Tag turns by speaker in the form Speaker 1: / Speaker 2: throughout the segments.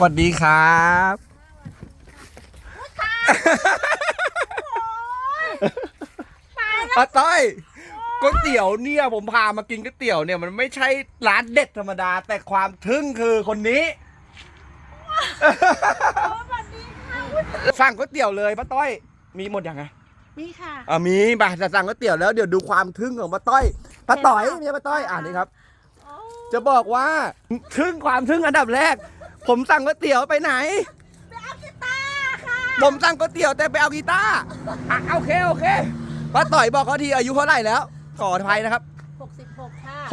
Speaker 1: วัสดีครับป้าต้อยก๋วยเตี๋ยวเนี่ยผมพามากินก๋วยเตี๋ยวเนี่ยมันไม่ใช่ร้านเด็ดธรรมดาแต่ความทึ่งคือคนนี้สั่งก๋วยเตี๋ยวเลยป้าต้อยมีหมดยังไง
Speaker 2: มีค่ะ
Speaker 1: มีป่ะจะสั่งก๋วยเตี๋ยวแล้วเดี๋ยวดูความทึ่งของป้าต้อยป้าต้อยเนี่ยป้าต้อยนี่ครับจะบอกว่าทึ่งความทึ่งอันดับแรกผมสั่งก๋วยเตี๋ยวไปไหน
Speaker 2: ไปเอากีตาร์ค่ะ
Speaker 1: ผมสั่งก๋วยเตี๋ยวแต่ไปเอากีตาร์โอเคป้าต่อยบอกเขาทีอายุเท่าไหร่แล้วขออภัยนะครับ
Speaker 2: 66ค่ะ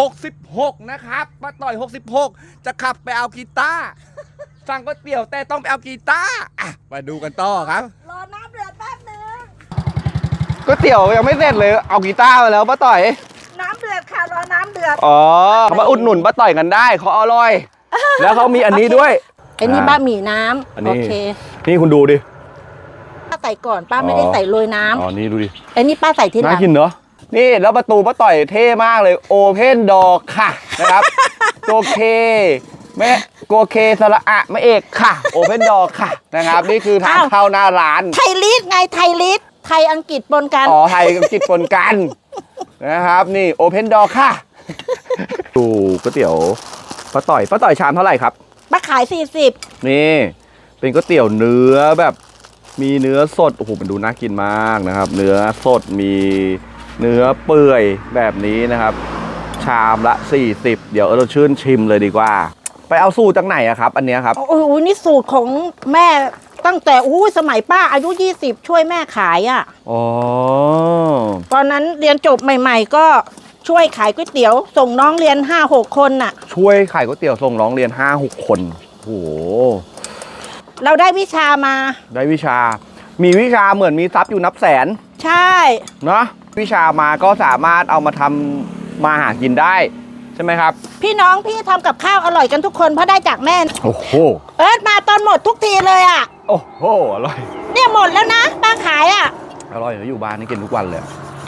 Speaker 1: 66นะครับป้าต่อย66จะขับไปเอากีตาร์สั่งก๋วยเตี๋ยวแต่ต้องไปเอากีตาร์มาดูกันต่อครับ
Speaker 2: รอน้ำเดือดแป๊บนึง
Speaker 1: ก๋วยเตี๋ยวยังไม่เสร็จเลยเอากีตาร์มาแล้วป้าต่อย
Speaker 2: น้ำเดือดค่ะรอน้ำเดือด
Speaker 1: มาอุดหนุนป้าต่อยกันได้เขาอร่อยแล้วเขามีอันนี้ด้วย
Speaker 2: ไอ้นี่บะหมี่น้ำโอเค
Speaker 1: นี่คุณดูดิ
Speaker 2: ป้าใส่ก่อนป้าไม่ได้ใส่โรยน้ำ
Speaker 1: นี่ดูดิ
Speaker 2: ไอ้นี่ป้าใส่ทีหลัง
Speaker 1: น่ากินเนาะนี่แล้วประตูป้าต่อยเท่มากเลยโอเพนดอร์ค่ะนะครับตัวเคแม่โกเคสระอะแม่เอกค่ะโอเพนดอร์ค่ะนะครับนี่คือทางเข้าหน้าร้าน
Speaker 2: ไทยลีดไงไทยลีดไทยอังกฤษปนกัน
Speaker 1: ไทยอังกฤษปนกันนะครับนี่โอเพนดอร์ค่ะดูก๋วยเตี๋ยวป้าต่อยชามเท่าไหร่ครับ
Speaker 2: ป้าขาย40
Speaker 1: นี่เป็นก๋วยเตี๋ยวเนื้อแบบมีเนื้อสดโอ้โหมันดูน่ากินมากนะครับเนื้อสดมีเนื้อเปื่อยแบบนี้นะครับชามละ40เดี๋ยวเราชื่นชิมเลยดีกว่าไปเอาสูตรจากไหนอะครับอันนี้ครับ
Speaker 2: โอ้โหนี่สูตรของแม่ตั้งแต่สมัยป้าอายุ20ช่วยแม่ขายอ่ะตอนนั้นเรียนจบใหม่ๆก็ช่วยขายก๋วยเตี๋ยวส่งน้องเรียน 5-6 คนน่ะ
Speaker 1: ช่วยขายก๋วยเตี๋ยวส่งน้องเรียน 5-6 คนโอ้โห
Speaker 2: เราได้วิชามา
Speaker 1: ได้วิชามีวิชาเหมือนมีทรัพย์อยู่นับแสน
Speaker 2: ใช่
Speaker 1: เนาะวิชามาก็สามารถเอามาทำมาหากินได้ใช่ไหมครับ
Speaker 2: พี่น้องพี่ทำกับข้าวอร่อยกันทุกคนเพราะได้จากแม่
Speaker 1: โอ้โห
Speaker 2: มาตอนหมดทุกทีเลยอ่ะ
Speaker 1: โอ้โหอร่อย
Speaker 2: เนี่ยหมดแล้วนะป้าขายอ่ะ
Speaker 1: อร่อยอยู่บ้านนี่กินทุกวันเลย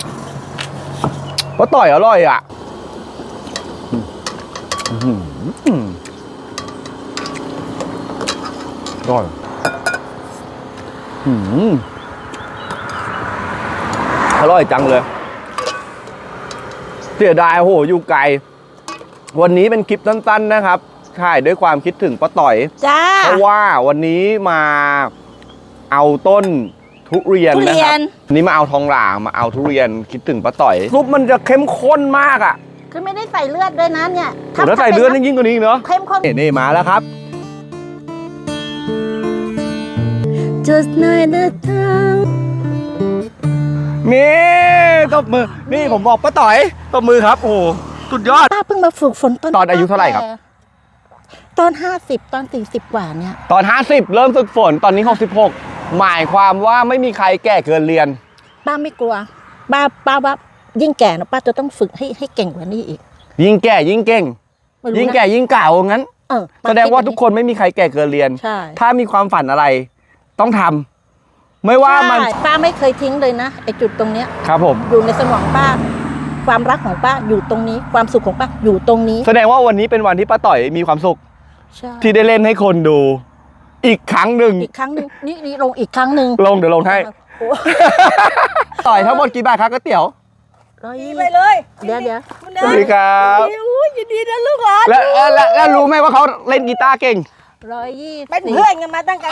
Speaker 1: ป้าต่อยอร่อยอ่ะอร่อยอร่อยจังเลยเสียดายโหอยู่ไกลวันนี้เป็นคลิปสั้นๆนะครับถ่ายด้วยความคิดถึงป้าต่อย
Speaker 2: จ้า
Speaker 1: เพราะว่าวันนี้มาเอาต้นทุเรียนนะครับนี้มาเอาทองหลางมาเอาทุเรียนคิดถึงป้าต่อยซุปมันจะเข้มข้นมากอ่ะ
Speaker 2: คือไม่ได้ใส่เลือดด้วยนะเนี่ย
Speaker 1: ถ้าใส่เลือดยิ่งกว่านี้เนาะ
Speaker 2: เข้มข้น
Speaker 1: นี่มาแล้วครับ
Speaker 2: Just night the time
Speaker 1: นี่ตบมือนี่ผมบอกป้าต่อยตบมือครับโอ้สุดยอด
Speaker 2: ป้าเพิ่งมาฝึกฝน
Speaker 1: ตอนอายุเท่าไหร่ครับ
Speaker 2: ตอน50ตอน40กว่าเนี่ย
Speaker 1: ตอน50เริ่มฝึกฝนตอนนี้66หมายความว่าไม่มีใครแก่เกินเรียน
Speaker 2: ป้าไม่กลัวป้าว่ายิ่งแก่นะป้าจะต้องฝึกให้เก่งกว่านี้อีก
Speaker 1: ยิ่งแก่ยิ่งเก่งยิ่งแก่ยิ่งเก่างั้นแสดงว่าทุกคนไม่มีใครแก่เกินเรียนถ้ามีความฝันอะไรต้องทำไม่ว่ามัน
Speaker 2: ป้าไม่เคยทิ้งเลยนะไอ้จุดตรงเนี้ย
Speaker 1: ครับผม
Speaker 2: อยู่ในสมองป้าความรักของป้าอยู่ตรงนี้ความสุขของป้าอยู่ตรงนี้
Speaker 1: แสดงว่าวันนี้เป็นวันที่ป้าต่อยมีความสุขที่ได้เล่นให้คนดูอีกครั้งหนึ่ง
Speaker 2: นี่ลงอีกครั้งหนึ่ง
Speaker 1: ลงเดี๋ยวลงให้ต่อยทั้งหมดกี่บาทครับก๋วยเตี๋ยว
Speaker 2: 120ไปเลยเดี๋ยว
Speaker 1: สวัสดีครับ
Speaker 2: ยินดีนะลูกหลาน
Speaker 1: แล้วรู้ไหมว่าเขาเล่นกีตาร์เก่ง
Speaker 2: 120เป็นเพื่อนกันมาตั้งแต่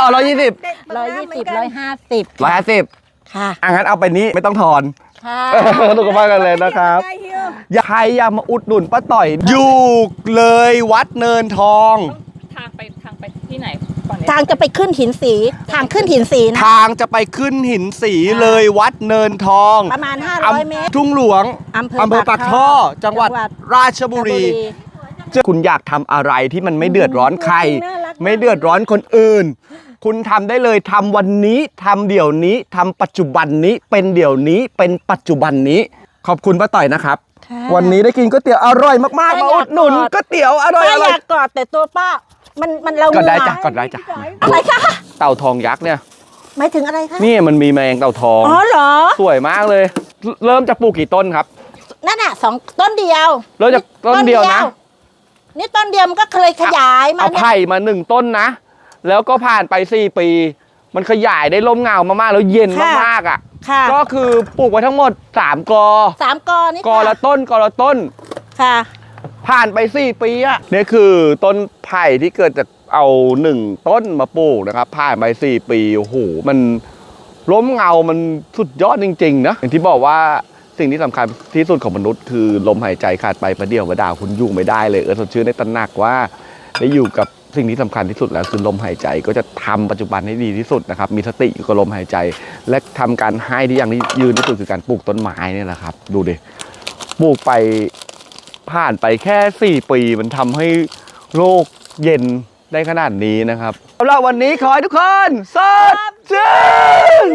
Speaker 2: 150ค่ะ
Speaker 1: งั้นเอาไปนี้ไม่ต้องถอนถูกมากกันเลยนะครับอยากมาอุดหนุนป้าต่อยอยู่เลยวัดเนินทอง
Speaker 3: ทางไปที่ไหน
Speaker 2: ทางจะไปขึ้นหินสีทางขึ้นหินสีนะ
Speaker 1: ทางจะไปขึ้นหินสีเลยวัดเนินทอง
Speaker 2: ประมาณ500 เมตร
Speaker 1: ทุ่งหลวงอำเภอปากท่อจังหวัดราชบุรีคุณอยากทำอะไรที่มันไม่เดือดร้อนใครไม่เดือดร้อนคนอื่นคุณทำได้เลยทำวันนี้ทำเดี๋ยวนี้ทำปัจจุบันนี้เป็นเดี๋ยวนี้เป็นปัจจุบันนี้ขอบคุณป้าต่อยนะครับวันนี้ได้กินก๋วยเตี๋ยวอร่อยมากๆมาอุดหนุนก๋วยเตี๋ยวอร่อย
Speaker 2: อยากกอดแต่ตัวป้ามันเรา
Speaker 1: กอดได้จ้ะกอดได้จ้ะ
Speaker 2: อะไรคะ
Speaker 1: เต่าทองยักษ์เนี่ย
Speaker 2: หมายถึงอะไรคะ
Speaker 1: นี่มันมีแมงเต่าทอง
Speaker 2: เหรอ
Speaker 1: สวยมากเลยเริ่มจะปลูกกี่ต้นครับ
Speaker 2: นั่นน่ะ2ต้นเดียว
Speaker 1: เริ่มจากต้นเดียวนะ
Speaker 2: นี่ต้นเดียวมันก็เคยขยายมา
Speaker 1: เอาไผ่มา1ต้นนะแล้วก็ผ่านไป4 ปี มันขยายได้ร่มเงามากๆแล้วเย็นมากๆอ่ะ
Speaker 2: ค่ะ
Speaker 1: ก็คือปลูกไว้ทั้งหมด3 กอ
Speaker 2: 3 กอนี่
Speaker 1: กอละต้นกอละต้น
Speaker 2: ค่ะ
Speaker 1: ผ่านไป4 ปีอ่ะนี่คือต้นไผ่ที่เกิดจากเอา1 ต้นมาปลูกนะครับผ่านไป4 ปีโอ้โหมันร่มเงามันสุดยอดจริงๆนะอย่างที่บอกว่าสิ่งที่สำคัญที่สุดของมนุษย์คือลมหายใจขาดไปประเดี๋ยวประดาวคุณอยู่ไม่ได้เลยสดชื่นได้ตระหนักว่าได้อยู่กับสิ่งที่สำคัญที่สุดแล้วคือลมหายใจก็จะทำปัจจุบันให้ดีที่สุดนะครับมีสติอยู่กับลมหายใจ และทำการให้ที่อย่างที่ยืนที่สุดคือการปลูกต้นไม้เนี่ยแหละครับดูดิปลูกไปผ่านไปแค่4 ปีมันทำให้โลกเย็นได้ขนาดนี้นะครับสำหรับวันนี้ขอให้ทุกคนสดชื่น